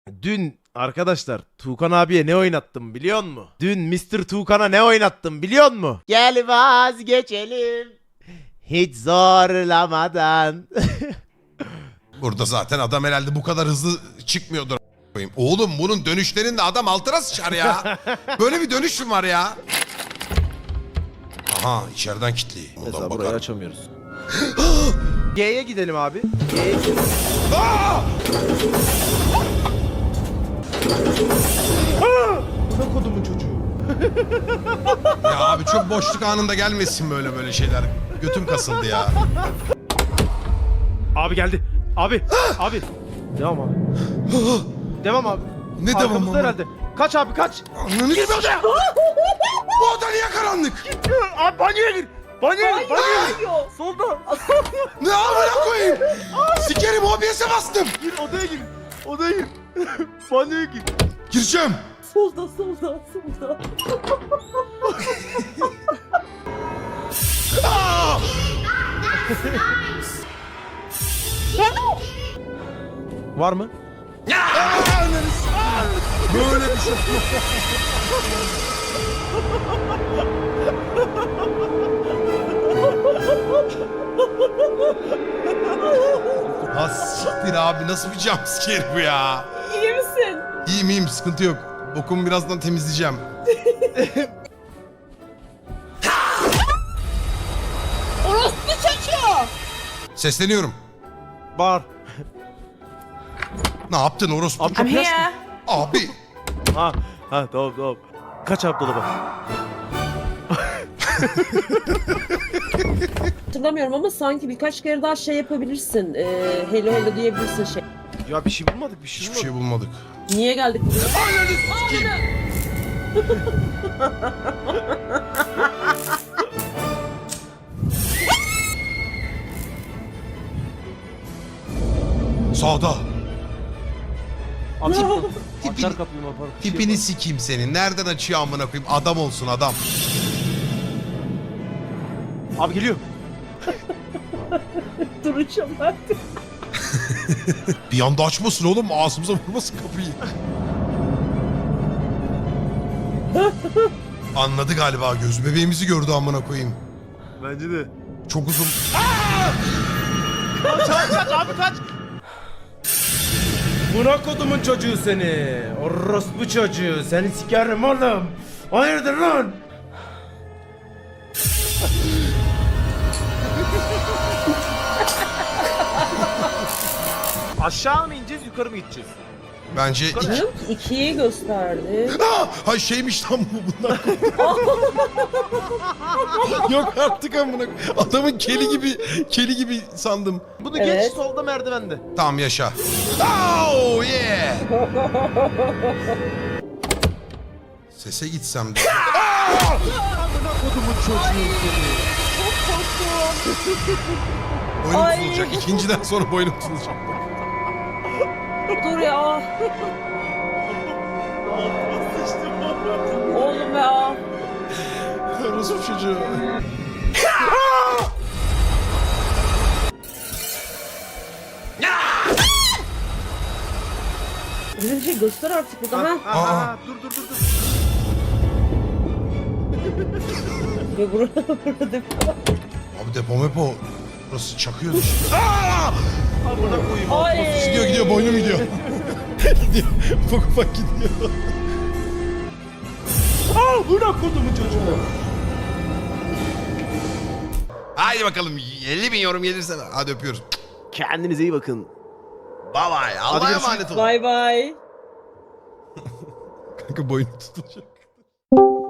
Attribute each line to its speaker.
Speaker 1: Dün arkadaşlar Tuğkan abiye ne oynattım biliyor musun? Dün Mr. Tuğkan'a ne oynattım biliyor musun? Gel vazgeçelim hiç zorlamadan.
Speaker 2: Burada zaten adam herhalde bu kadar hızlı çıkmıyordur. a**ayım. Oğlum bunun dönüşlerinde adam altına sıçar ya. Böyle bir dönüş mü var ya? Aha içeriden kilitli.
Speaker 1: Mesela
Speaker 2: Buradan
Speaker 1: burayı
Speaker 2: bakalım.
Speaker 1: açamıyoruz. G'ye gidelim abi. G'ye gidelim. Bu da kodumun çocuğu.
Speaker 2: Ya abi çok boşluk anında gelmesin böyle şeyler. Götüm kasıldı ya.
Speaker 1: Abi geldi. Abi. Abi. Devam abi. Devam abi.
Speaker 2: Ne devam
Speaker 1: Arkamızda
Speaker 2: ama?
Speaker 1: herhalde. Kaç abi kaç.
Speaker 2: Ananı
Speaker 1: Girme odaya.
Speaker 2: Bu oda niye karanlık?
Speaker 1: Abi banyoya gir. Banyoya gir. Banyoya gir.
Speaker 3: Hayır.
Speaker 1: Solda.
Speaker 2: Ne amına koyayım? Sikerim OBS'e bastım.
Speaker 1: Gir odaya gir. Odaya gir. Banyoya gir.
Speaker 2: Gireceğim.
Speaker 3: Solda.
Speaker 2: Aa!
Speaker 1: Var mı?
Speaker 2: Böyle bir şey. Ha siktir abi nasıl bir jumpscare bu ya?
Speaker 3: İyi misin?
Speaker 2: İyiyim sıkıntı yok. Bokumu birazdan temizleyeceğim.
Speaker 3: Orospu çocuğu.
Speaker 2: Sesleniyorum.
Speaker 1: Var.
Speaker 2: Ne yaptın orospu?
Speaker 1: Abi kapıyı açtın.
Speaker 2: Abi.
Speaker 1: Ha tamam. Kaç abi dolaba?
Speaker 3: Hatırlamıyorum ama sanki birkaç kere daha şey yapabilirsin. Hello diyebilirsin şey.
Speaker 1: Ya bir şey bulmadık bir şey
Speaker 2: Hiçbir
Speaker 1: bulmadık.
Speaker 2: şey bulmadık.
Speaker 3: Niye geldik buraya?
Speaker 2: Ananı sikeyim. Sağda.
Speaker 1: Abi
Speaker 2: Tipini-
Speaker 1: açar kapıyı mı yapar? Bir şey
Speaker 2: Tipini
Speaker 1: yapar.
Speaker 2: sikeyim senin. Nereden açıyor amına koyayım? Adam olsun adam.
Speaker 1: Abi geliyor.
Speaker 3: Duracağım artık.
Speaker 2: Bir anda açmasın oğlum. Ağzımıza vurmasın kapıyı. Anladı galiba. Göz bebeğimizi gördü amına koyayım.
Speaker 1: Bence de.
Speaker 2: Çok uzun.
Speaker 1: Kaç abi kaç. Buna kodumun çocuğu seni. Orospu çocuğu. Seni sikerim oğlum. Hayırdır lan? Aşağı mı ineceğiz yukarı mı gideceğiz?
Speaker 2: Bence
Speaker 3: Yok, ikiyi gösterdi.
Speaker 2: Hay şeymiş lan bu bundan. Yok artık amına koyayım. Adamın keli gibi sandım.
Speaker 1: Bunu
Speaker 3: Evet.
Speaker 1: geç solda merdivende.
Speaker 2: Tamam yaşa. Oh yeah. Sese gitsem de.
Speaker 1: Amına kodumun çocuğu seni.
Speaker 3: Çok korktum.
Speaker 2: Boynum
Speaker 3: Ay.
Speaker 2: tutulacak. İkinciden sonra boynum tutulacak.
Speaker 3: Dur ya. Oğlum ya.
Speaker 2: Orospu çocuğu.
Speaker 3: Bize bir şey göster artık burada. Ha?
Speaker 1: Aa, dur.
Speaker 3: Ve burada depo.
Speaker 2: Abi depo mepo. Burası çakıyor.
Speaker 1: Amına koyayım.
Speaker 3: Ay.
Speaker 2: Gidiyor boynum gidiyor. Gidiyor. Ufak gidiyor.
Speaker 1: Buna kodumun çocuğu.
Speaker 2: Haydi bakalım 50.000 yorum gelirse hadi öpüyoruz.
Speaker 1: Kendinize iyi bakın.
Speaker 2: Bye bye. Allah'a
Speaker 1: görüşürüz.
Speaker 2: emanet olun.
Speaker 3: Bye bye.
Speaker 2: Kanka boynum tutulacak.